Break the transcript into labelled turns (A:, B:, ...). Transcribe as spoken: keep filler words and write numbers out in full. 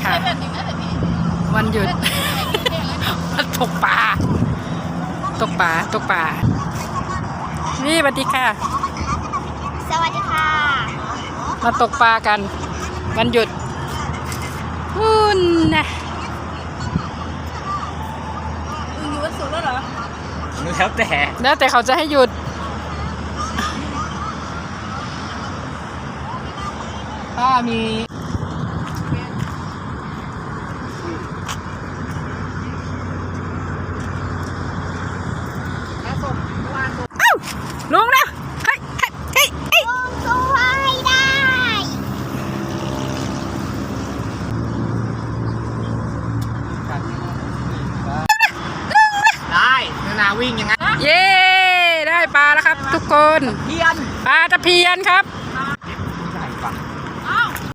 A: ค่ะวันหยุด มาตกปลาตกปลาตกปลานี่สวัสดีค่ะ
B: สวัสดีค่ะ
A: มาตกปลากันวันหยุดอุ่นนะ
B: มึงอยู่วันศุกร์แล้วเหรอ
C: แล้วแต่
A: แล้วแต่เขาจะให้หยุด
C: ถ้ามี
A: ลุงนะเฮ้ยเฮ้ยเฮ้ยเฮ้ย
B: ลุงช่วยได้
C: ได้นานาวิ่งยังไง
A: เย้ได้ปลาแล้วครับทุกคน
C: เพียน
A: ปลาตะเพียนครับ